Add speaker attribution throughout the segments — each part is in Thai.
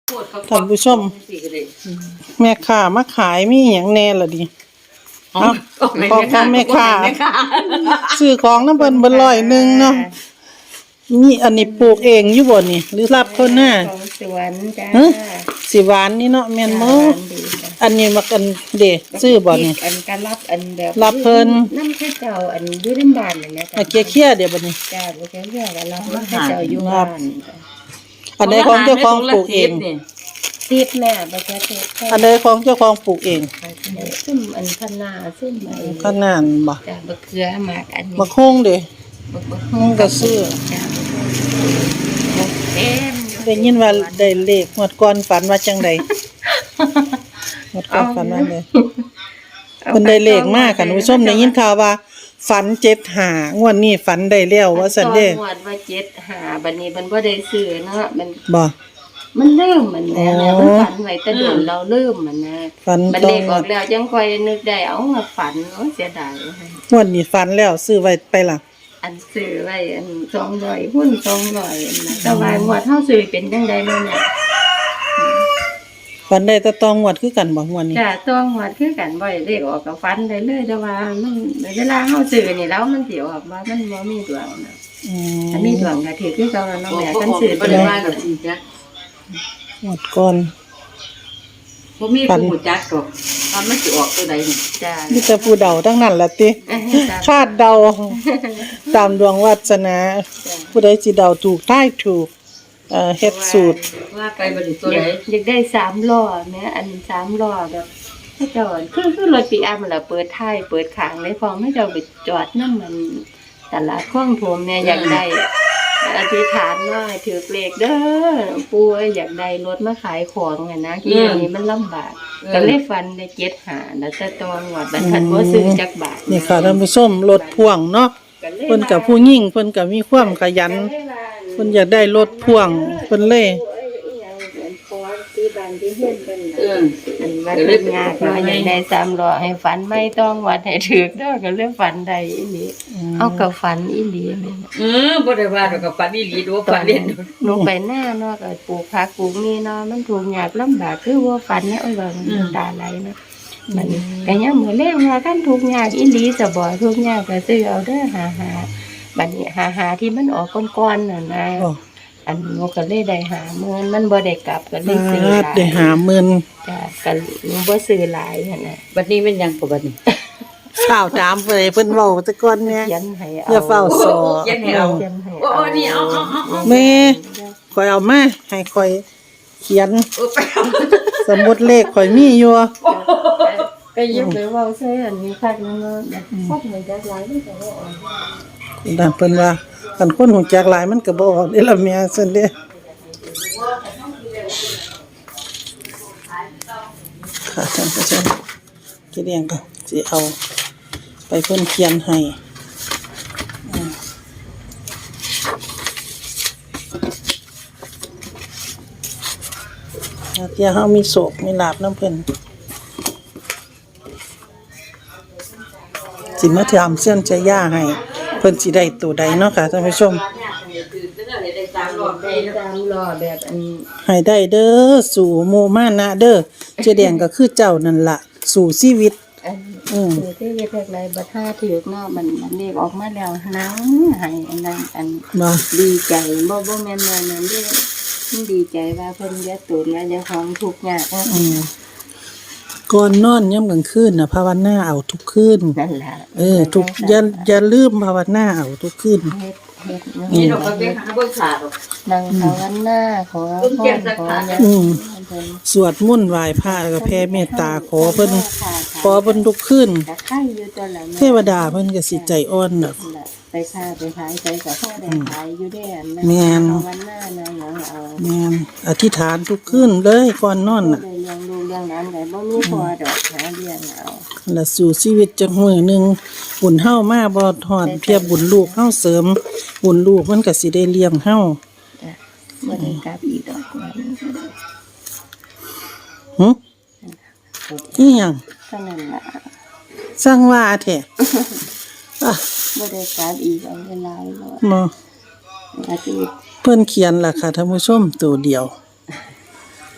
Speaker 1: ท่านผู้ชมแม่ค้ามาขายมีหยังแน่ล่ะดิเอาของแม่ค้าซื้อของน้ำเบิ่นบ่ร้อยหนึ่งเนาะนี่อันนี้ปลูกเองอยู่บ่นี่หรือรับคนหน้า
Speaker 2: สวนจ้า
Speaker 1: สิหวานนี่เนาะแม่นบ่อันนี้มากันเด้ซื้อบ่นี่
Speaker 2: อันการรับอันแบบ
Speaker 1: รับเพิ่น
Speaker 2: น้ำข้าเจ้าอันอยู่ในบ้านนั่นแหละ
Speaker 1: จ้ะเคี้ยๆเดี๋ยวบัดนี้
Speaker 2: จ้าบ่แค่เรื่องรับน้ำข้าเจ้าอยู่บ้าน
Speaker 1: อันใดของเจ้าของปลูกเอง
Speaker 2: ติดแม่บ่แค่ติด
Speaker 1: อันใดของเจ้าของปลูกเอง
Speaker 2: ซึ่งอันคะน้าซึ่งไอ้
Speaker 1: คะน้าบ่
Speaker 2: จ้าบักเขือหมากอันนี้
Speaker 1: บักฮงเด้ฮงก็ซื้อได้ยินว่าได้เลขงวดก่อนฝันว่าจังได๋งวดก่อนฝันว่าได๋เพิ่นได้เลขมาค่ะผู้ชมได้ยินข่าวว่าฝัน75งวดนี้ฝันได้แล้วว่าซั่นเด้
Speaker 2: งวดว่า75บัดนี้มันบ่ได้ซื้อเนาะ
Speaker 1: บ่
Speaker 2: มันลืมมันแหละมันฝันไว้แต่โดนเราลืมมันนะบัดเลขออกแล้วจังค่อยนึกได้เอามาฝันเสียดาย
Speaker 1: งวดนี้ฝันแล้วซื้อไว้ไปล่ะ
Speaker 2: อันซื้อไว้อัน200หุ้น200อันนะแต่ว่างวดเฮาซื้อเป็นจังได๋นั่นน่ะ
Speaker 1: ฝันได้แต่ตองงวดคือกันบ่งวดนี้
Speaker 2: จ้ะตองงวดคือกันบ่ได้เลขออกก็ฝันได้เลยแต่ว่ามันเวลาเฮาซื้อนี่แล้วมันสิออกว่ามันบ่มีดวงนะอันมีดวงก็ถือคือเก่าแล้วเนาะแม่คันซื้อบ่ได้ว่าก็สิจ้ะ
Speaker 1: งวดก่อน
Speaker 3: บ่มีผู้รู้จักดอกว่ามันสิออกตัวใดนี่
Speaker 2: จ้ะ
Speaker 1: มีแต่ผู้เดาทั้งนั้นล่ะติคาดเดาตามดวงวาสนาผู้ใดสิเดาถูกทายถูกเฮ็ดสูตร
Speaker 3: ว่าไปบ่ได้ตัวใด
Speaker 2: อยากได้3ล้อแม่อัน3ล้อแบบเขาเจ้าคือรถปิกอัพนั่นล่ะเปิดท้ายเปิดข้างเลยพร้อมให้เจ้าไปจอดนำมันตลาดคลองถมเนี่ยอยากได้อธิษฐานว่าถือเลขเด้อปู่อยากได้รถมาขายของน่ะนะที่นี่มันลำบากก็เลยฟันได้75แล้วแต่ตองวดบัดคันบ่ซื้อจักบาท
Speaker 1: นี่ค่ะท่านผู้ชมรถพ่วงเนาะเพิ่นก็ผู้หญิงเพิ่นก็มีความขยันเพิ่นอยากได้รถพ่วงเพิ่นเลย
Speaker 2: อันว่าเฮ็ดงานเนาะอยากได้3ล้อให้ฝันไม่ต้องวัดให้ถูกเด้อก็เลยฝันได้อีหลีเอาก็ฝันอีหลีแม่
Speaker 3: บ่ได้ว่าดอกก็ฝันอีหลีดูฝันเล่น
Speaker 2: หนูไปหน้าเนาะก็ปลูกผักปลูกนี่เนาะมันทุกข์ยากลำบากคือว่าฝันเนี่ยโอ้ยว่ามันตาไหลเนาะมันก็ยังมื้อแลงว่าคันทุกข์ยากอีหลีจะบ่ทุกข์ยากก็ซื้อเอาเด้อบัดนี้หาที่มันออกก้อนๆน่ะนะอันหนูก็เลยได้50,000มันบ่ได้กลับก็เลยซื้อหลาย
Speaker 1: ได้50,000
Speaker 2: จ้ะก็หนูบ่ซื้อหลายหั่นน่ะ
Speaker 3: บัดนี้เป็นหยังบัดนี้
Speaker 1: สาวถามเพิ่นเว้าแต่ก่อนแม่
Speaker 2: เขียนให้เอา
Speaker 1: อย่าเฝ้าสอ
Speaker 3: เขียนให้เอาโอ้นี่เอา
Speaker 1: แม่ข่อยเอามาให้ข่อยเขียนสมุดเลขข่อยมีอยู่
Speaker 2: ก็ยิบไปเว้าใส่อันนี้คักนึงเนาะพวกมันจักหลายมันก็บ่ออก
Speaker 1: นั่นเพิ่นว่าคันคนฮู้จักหลายมันก็บ่ออกเด้ล่ะแม่ซั่นเด้ค่ะท่านผู้ชมสิเรียงก็สิเอาไปเพิ่นเขียนให้เดี๋ยวเฮามีโศกมีลาภนำเพิ่นสิมาถามเส้นใจย่าให้เพิ่นสิได้ตัวใดเนาะค่ะท่านผู้ชม
Speaker 2: ได้3ล้อแบบอัน
Speaker 1: ให้ได้เด้อสู่โมมานะเด้อเจแดงก็คือเจ้านั่นล่ะสู่ชีวิต
Speaker 2: คือที่เฮ็ดจักไรบ่ท่าถูกเนาะมันเลขออกมาแล้วหนังให้อันนั้นอันดีใจบ่แม่นว่านั่นเด้มันดีใจว่าเพิ่นอย่าตูนแล้วเจ้าของทุกข์ยาก
Speaker 1: ก่อนนอนยามกลางคืนน่ะภาวนาเอาทุกคืน
Speaker 2: นั่นล่ะ
Speaker 1: ทุกอย่าลืมภาวนาเอาทุกคืน
Speaker 3: นี่ดอกก็ไปหาเบิ่งขาดอก
Speaker 2: นั่งภาวนาขอพรขอ
Speaker 1: สวดมนต์ไหว้พระแล้วก็แผ่เมตตาขอเพิ่นทุกคืนเทวดาเพิ่นก็สิใจอ่อนน่ะ
Speaker 2: ไปค้าไปขายไปก็พอได้ขายอยู่เด้อัน
Speaker 1: แม่น
Speaker 2: ภาวนานะหยังเอา
Speaker 1: แม่นอธิษฐานทุกคืนเลยก่อนนอนน่ะ
Speaker 2: เรื่องลูกเรื่องนั้นก็บ่มีพอดอกหาเรื่องเอา
Speaker 1: แล้วสู่ชีวิตจักมื้อนึงบุญเฮามาบ่ทอดเทียบบุญลูกเฮาเสริมบุญลูกมันก็สิได้เลี้ยงเฮา
Speaker 2: บ่ได้กลับอีกดอก
Speaker 1: อีหยัง
Speaker 2: เท่านั้นล่ะ
Speaker 1: สร้างว่าแท้
Speaker 2: บ่ได้กลับอีกเอาเวลาแล้ว
Speaker 1: บ่เพิ่นเขียนล่ะค่ะท่านผู้ชมตัวเดียว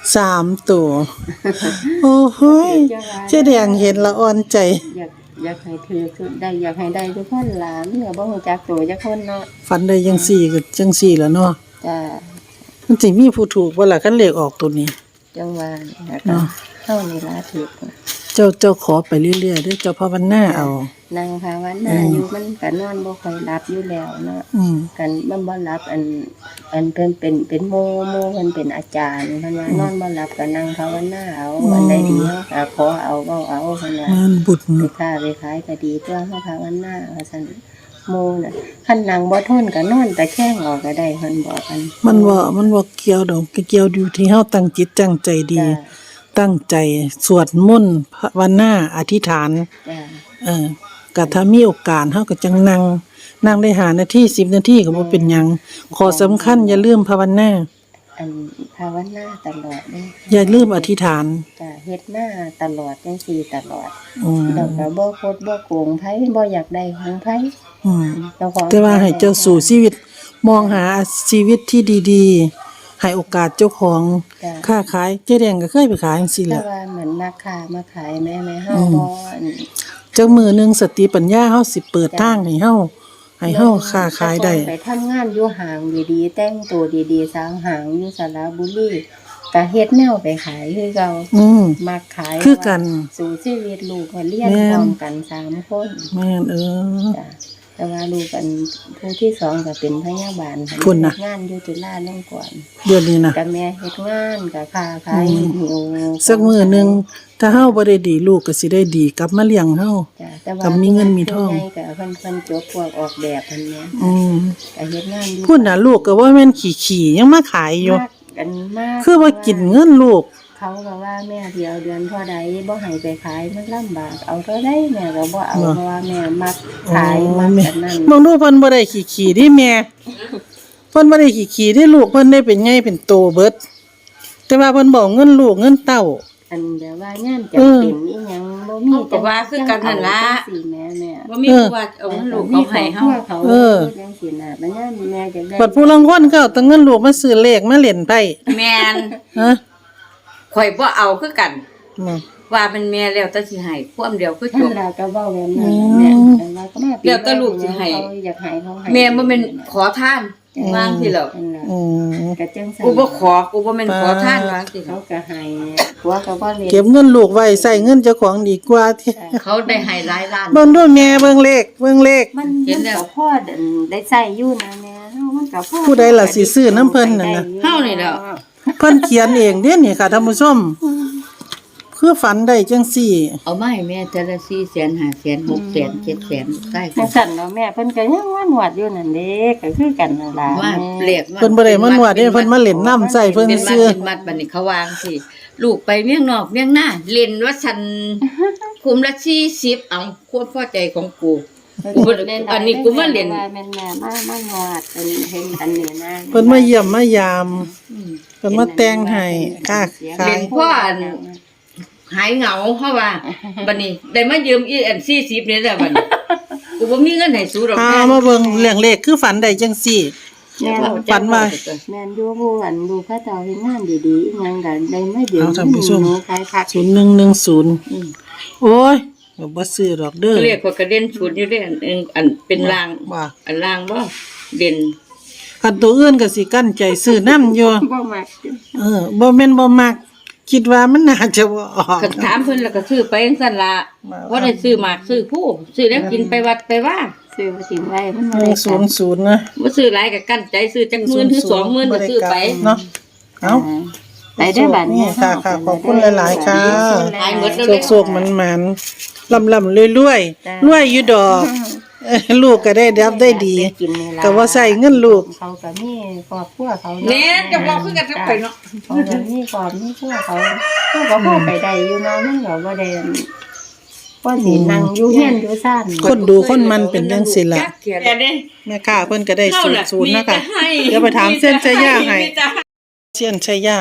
Speaker 1: 3ตัวโอ้โหยเจ๊แดงเห็นละอ่อนใจ
Speaker 2: อยากให้ถือคือได้อยากให้ได้ทุกคนหลานเนี่ยบ่ฮู้จักตัวจักคนเนาะ
Speaker 1: ฝันได้จังซี่ก็จังซี่ล่ะเนาะ
Speaker 2: จ้า
Speaker 1: มันสิมีผู้ถูกบ่ล่ะคันเลขออกตัวนี้
Speaker 2: จังว่าแล้ว
Speaker 1: เนาะ
Speaker 2: เฮานี่ล่ะถูก
Speaker 1: เจ้าขอไปเรื่อยๆเด้อเจ้าภาวนาเอา
Speaker 2: นางภาวนาอยู่มันก็นอนบ่ค่อยหลับอยู่แล้วเนาะ
Speaker 1: อืม
Speaker 2: กันมันบ่หลับอันเพิ่นเป็นโมเพิ่นเป็นอาจารย์เพิ่นว่านอนบ่หลับก็นั่งภาวนาเอาอันใดดีเฮาก็ขอเอาเว้าเอาเพิ่นว่า
Speaker 1: งานบุญ
Speaker 2: ไปค้าไปขายก็ดีตัวเฮาภาวนาว่าซั่นโมน่ะคันนั่งบ่ทนก็นอนตะแคงออกก็ได้เพิ่นบอกกัน
Speaker 1: มันบ่เกี่ยวดอกเกี่ยวอยู่ที่เฮาตั้งจิตตั้งใจดี
Speaker 2: จ้า
Speaker 1: ตั้งใจสวดมนต์ภาวนาอธิษฐาน
Speaker 2: จ้า
Speaker 1: ก็ถ้ามีโอกาสเฮาก็จังนั่งได้5นาที10นาทีก็บ่เป็นหยังขอสำคัญอย่าลืมภาวนา
Speaker 2: อันภาวนาตลอดเด้
Speaker 1: อย่าลืมอธิษฐาน
Speaker 2: จ้าเฮ็ดหน้าตลอดจังซี่ตลอด
Speaker 1: อืม
Speaker 2: แล้วก็บ่คดบ่โกงไผบ่อยากได้ของไผ
Speaker 1: อืม
Speaker 2: เจ้าของ
Speaker 1: แต่ว่าให้เจ้าสู่ชีวิต มองหาชีวิตที่ดีๆ ให้โอกาสเจ้าของ
Speaker 2: จ้า
Speaker 1: ค้าขายเจ๊แดงก็เคยไปขายจังซี่แห
Speaker 2: แต่
Speaker 1: ละ
Speaker 2: ว่าเหมือนมาค้ามาขายแม่เฮาบ่อัน
Speaker 1: จักมื้อหนึงสติปัญญาเฮาสิเปิดทางให้เฮาค้าขายได้
Speaker 2: ไปทำงานอยู่ห้างดีๆแต่งตัวดีๆสร้างห้างอยู่สระบุรีก็เฮ็ดแนวไปขายคือเก่า
Speaker 1: อืม
Speaker 2: มาขาย
Speaker 1: คือกัน
Speaker 2: สู่ชีวิตลูกก็เรียน
Speaker 1: แม่น
Speaker 2: พร้อมกัน3คน
Speaker 1: แม่น
Speaker 2: จ้ะแต่ว่าลูกกันผู้ที่สองก็เป็นพยาบาล
Speaker 1: คุณน่ะ
Speaker 2: เฮ็ดงานอยู่จุฬาลงกรณ์
Speaker 1: เดือนนี้นะ
Speaker 2: กับแม่เฮ็ดงานกับค้าขายหิว
Speaker 1: สักมื้อหนึงถ้าเฮาบ่ได้ดีลูกก็สิได้ดีกลับมาเลี้ยงเฮา
Speaker 2: จ้ะแต่ว่า
Speaker 1: กับมีเงินมีทอง
Speaker 2: ผู้ใหญ่ก็เพิ่นจบพวกออกแบบเพิ่นแหม
Speaker 1: อืม
Speaker 2: ก็เฮ็ดงานอยู่
Speaker 1: พุ่นน่ะลูกก็ว่าแม่นขี้ๆยังมาขายอยู่
Speaker 2: มากกันมาก
Speaker 1: คือว่ากินเงินลูก
Speaker 2: เขาก็ว่าแม่เดียวเดือนเท่าใดบ่ให้ไปขายมันลำบากเอาเท่าใดแม่ก็บ่เอา
Speaker 1: เนาะ
Speaker 2: เพราะว่าแม่มักขายมักกันนั่น
Speaker 1: มองดูเพิ่นบ่ได้ขี้ๆดิแม่เพิ่นบ่ได้ขี้ๆดิลูกเพิ่นได้เป็นใหญ่เป็นโตเบิด แต่ว่าเพิ่นบอกเงินลูกเงินเต้า
Speaker 2: อันแบบว่างานจำเป็นอีหยังบ่มี
Speaker 3: เขาก็ว่าคือกันนั่นล่ะ
Speaker 2: จังสิแม่
Speaker 3: บ่มีผู้ว่าเอาลูกเขาให้เฮา
Speaker 2: เขา
Speaker 1: เออ
Speaker 2: จังสิน่ะบัดนี้แม่จะได้
Speaker 1: บัดผู้ลางคนก็เอาแต่เงินลูกมาซื้อเลขมาเล่นไพ่
Speaker 3: แม่น
Speaker 1: ฮะ
Speaker 3: ข่อยบ่เอาคือกัน
Speaker 1: มา
Speaker 3: ว่าเป็นแม่แล้วแต่สิให้ความเดียวคือจ
Speaker 2: ท่าน
Speaker 3: บ
Speaker 2: เราก็เว้าแบบนั้นแม่แต่ว่าก็มาปี
Speaker 3: แล้วแต่ลูกสิให้
Speaker 2: เขาอยากให้เขาให้
Speaker 3: แม่บ่แม่นขอทานวางสิแล้ว
Speaker 2: นั่นล่ะ
Speaker 1: อืม
Speaker 2: ก็จังซั่น
Speaker 3: กูบ่ขอกูบ่แม่นขอทานวางสิ
Speaker 2: เขาก็ให้ผัวก็บ่เล่น
Speaker 1: เก็บเงินลูกไว้ใส่เงินเจ้าของดีกว่าที่
Speaker 3: เขาได้ให้หลายล้าน
Speaker 1: เบิ่งดูแม่เบิ่งเลข
Speaker 2: มัน
Speaker 3: เห็นแล้ว
Speaker 2: ก็พอได้ใช้อยู่นะแม่เฮามันก็พอ
Speaker 1: ผู้ใดล่ะสิซื้อน้ำเพิ่นนั่นน่ะ
Speaker 3: เฮานี่แหล้ว
Speaker 1: เพิ่นเขียนเองเด้นี่ค่ะท่านผู้ชมคือฝันได้จังซี่
Speaker 3: เอามาให้แม่แต่ละ400,000 500,000 600,000 700,000ใกล้กั
Speaker 2: จั
Speaker 3: น
Speaker 2: งซั่นเนาะแม่เพิ่นก็ยังว่าหนวดอยู่นั่นเด้ก็คือกันนั่นล่ะ
Speaker 3: ว่า
Speaker 2: แม่
Speaker 3: เรียก
Speaker 1: เพิ่นบ่ได้มานวดเด้เพิ่นมาเล่นน้ำใส่เพิ่น
Speaker 3: เป็นมัด
Speaker 1: ซื้อ
Speaker 3: เป็นมัดบัดนี้เขาวางสิลูกไปเมียงนอกเมียงหน้าเล่นว่าฉันคุมละ40เอาควบพอใจของกูกูบ่ได้อันนี้กูมาเล่น
Speaker 2: ว่าแม่นแม่มานวดเป็นเห็นอันนี้นะ
Speaker 1: เพิ่นมาเยี่ยมมายามเพิ่นมาแต่งให้ค่ะขา
Speaker 3: เล่
Speaker 1: ย
Speaker 3: นพ่ออันหายเหงาเพราะว่าบัดนี้ได้มายืมอีอัน40นี่แหละบัดนี้กูบ่มีเงินให้สู้ดอก
Speaker 1: มาเบิ่งเรื่องเลขคือฝันได้จังซี่
Speaker 2: แม่น
Speaker 1: ฝันว่า
Speaker 2: แม่นอยู่ผู้อันดูพระเจ้าเฮ็ดงานดีๆอีหยังก็ได้มายืม
Speaker 1: เอาท่านผู้ชม
Speaker 2: หนูขายผัก
Speaker 1: 0110โอ้ยบ่ซื้อดอกเด้อ
Speaker 3: เรียกว่ากระเด็นชุดอยู่เด้อันเป็นราง
Speaker 1: ว่า
Speaker 3: อันรางบ่เด่น
Speaker 1: คันตัวอื่นก็สิกั้นใจซื้อน้ำอยู่
Speaker 2: บ่มัก
Speaker 1: บ่แม่นบ่มัก คิดว่ามันน่าจะบ่ออก
Speaker 3: คันถามเพิ่นแล้วก็ซื้อไปจังซั่นล่ะบ่ได้ซื้อหมากซื้อผู้ซื้อแล้วกินไปวัดไปว่า
Speaker 2: ซื้อมาถิ่มไว้มันบ่ได้กัน
Speaker 1: 100นะ
Speaker 3: บ่ซื้อหลายก็กั้นใจซื้อจักหมื่นหรือ20,000ก็ซื้อไป
Speaker 1: เนาะเอ้า
Speaker 2: ไปได้บัดนี้
Speaker 1: ค่ะค่ะขอบคุณหลายๆค่ะ
Speaker 3: หายหมดแล้ว
Speaker 1: โศกๆมันๆลำๆรวยๆรวยอยู่ดอกลูกก็ได้รับได้ดี
Speaker 2: กินนี่ล่ะ
Speaker 1: ก็ว่าใส่เงินลูก
Speaker 2: เขาก็มีครอบครัวเขา
Speaker 3: แน่จะบอกคือกันกับข่อยเนาะ
Speaker 2: เขาก็มีครอบมีครัวเขาก็พอไปได้อยู่เนาะมันก็บ่ได้ก็สินั่งอยู่เฮียนอยู่ซ่าน
Speaker 1: คนดูคนมันเป็นจังซี่ล่ะ
Speaker 3: แต่เด้
Speaker 1: แม่ค้าเพิ่นก็ได้
Speaker 3: เฮาน่ะ
Speaker 1: ศูนย์นะคะ
Speaker 3: มีแต่ให้
Speaker 1: เดี๋ยวไปถามเส้นชัยยาให้
Speaker 3: มีแต่
Speaker 1: เส้นชัยยา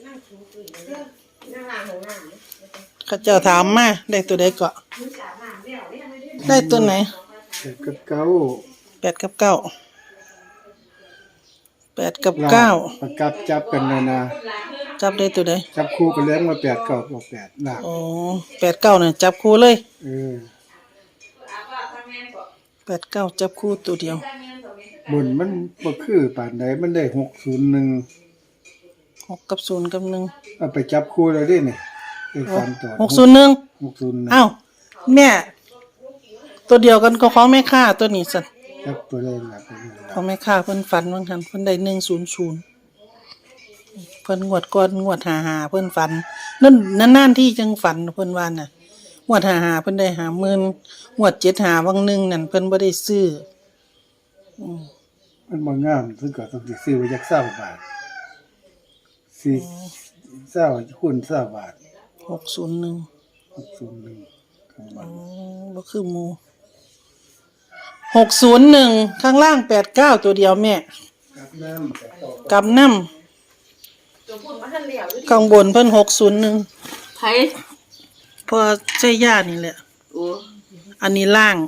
Speaker 1: เขาเจ้าถามมาได้ตัวใดเกาะได้ตัวไหน
Speaker 4: กับเก้า
Speaker 1: 8 กับ 9 8กับ9
Speaker 4: ประกับจับกันนะ
Speaker 1: จับได้ตัวใด
Speaker 4: จับคู่กันแล้วมา8 9กับ8ล่าง
Speaker 1: อ๋อ8 9น่ะจับคู่เลย
Speaker 4: เออ
Speaker 1: 8 9จับคู่ตัวเดียว
Speaker 4: บนมันบ่คือปานใดมันได้601
Speaker 1: 6กับ0กับ1
Speaker 4: เอาไปจับคู่แล้วดินี่ไอ้ฟันตัว
Speaker 1: 601
Speaker 4: 601
Speaker 1: อ้าวแม่ตัวเดียวกันก็ของแม่ค่าตัวนี้สัตว์
Speaker 4: จับตัวได้หลัก
Speaker 1: ของแม่ค่าเพิ่นฝันว่าหั่นเพิ่นได้100เพิ่นงวดก่อนงวด55เพิ่นฝันนั่นนานๆที่จังฝันเพิ่นว่าน่ะงวด55เพิ่นได้50,000งวด75วังหนึงนั่นเพิ่นบ่ได้ซื้อ
Speaker 4: มันบ่งามซึ่งก็ต้องสิซื้อไว้จัก20 บาทสิ20คูณ20 บาท
Speaker 1: 601
Speaker 4: 601ข้างบน
Speaker 1: บ่คือหมู่601ข้างล่าง89ตัวเดียวแม่
Speaker 4: กับน้ำแต่ต่อ
Speaker 1: กับนำข้างบนเพิ่น601
Speaker 3: ไผ
Speaker 1: พอใช้ย่านี่แหละ
Speaker 3: โอ้
Speaker 1: อันนี้ล่าง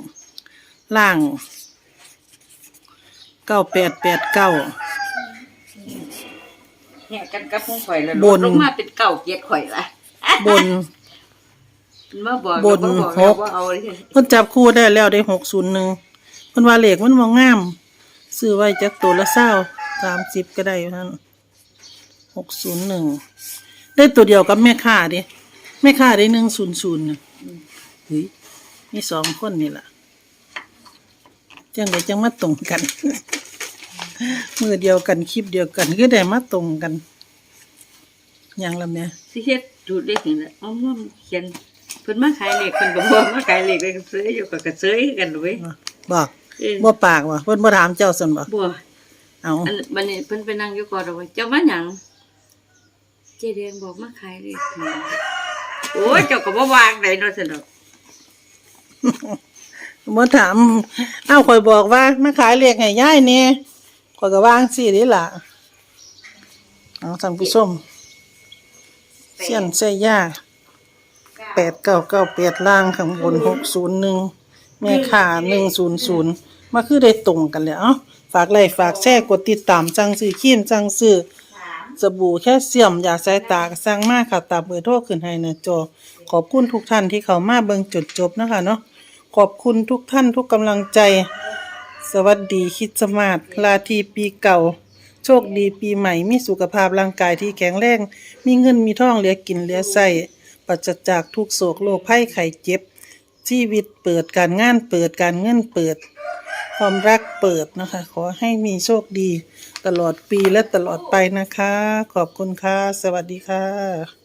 Speaker 1: 9889
Speaker 3: แหกกันกับของข่อยแล้ว
Speaker 1: บน
Speaker 3: ลงมาเป็นเก่าเกียดข่อยละ
Speaker 1: บน
Speaker 3: มาบอก
Speaker 1: บน
Speaker 3: แล้วบอก
Speaker 1: ห
Speaker 3: แล้ว
Speaker 1: ก
Speaker 3: ว่าเอาเลย
Speaker 1: เพิ่นจับคู่ได้แล้วได้601เพิ่นว่าเลขมันบ่งามซื้อไว้จักตัวละ20 30ก็ได้อยู่นั่น601ได้ตัวเดียวกับแม่ค้าดิแม่ค้าได้100น่ะเฮ้ยมี2คนนี่ล่ะจังไดจังมาตรงกัน มือเดียวกันคลิปเดียวกันคือได้มาตรงกันหยังล่ะแม่
Speaker 3: สิเฮ็ดจุดเลขนี่แหละเอามาเขียนเพิ่นมาขายเลขเพิ่นก็บ่มาขายเลขเลยก็ซื้ออยู่ก็ซื้อกันเว้ย
Speaker 1: บอก
Speaker 3: เออ
Speaker 1: บ่ปากว่ะเพิ่นบ่ถามเจ้าซั่นบ่
Speaker 3: บ่
Speaker 1: เอา
Speaker 3: อันบัดนี้เพิ่นไปนั่งอยู่ก่อนเอาไว้เจ้ามาหยังเจ๊แดงบอกมาขายเลขนี่โอ้ยเจ้าก็บ่วางได้เนาะซั่นดอก
Speaker 1: บ่ถามเอ้าข่อยบอกว่ามาขายเลขให้ยายแหน่ข่อยก็วางสิเด้ล่ะเอาท่านผู้ชมเสียนใส่ยา8998ล่างข้างบน601แม่ค่า100มาคือได้ตรงกันแล้วเอ้าฝากไลค์ฝากแชร์กดติดตามสั่งซื้อครีมสั่งซื้อสบู่แคลเซียมยาสายตาก็สั่งมาค่ะตามเบอร์โทรขึ้นให้หน้าจอขอบคุณทุกท่านที่เข้ามาเบิ่งจนจบนะคะเนาะขอบคุณทุกท่านทุกกำลังใจ สวัสดีคริสต์มาสลาทีปีเก่า โชคดีปีใหม่มีสุขภาพร่างกายที่แข็งแรงมีเงินมีทองเหลือกินเหลือใช้ปราศจากทุกโศกโรคภัยไข้เจ็บชีวิตเปิดการงานเปิดการเงินเปิดความรักเปิดนะคะขอให้มีโชคดีตลอดปีและตลอดไปนะคะขอบคุณค่ะสวัสดีค่ะ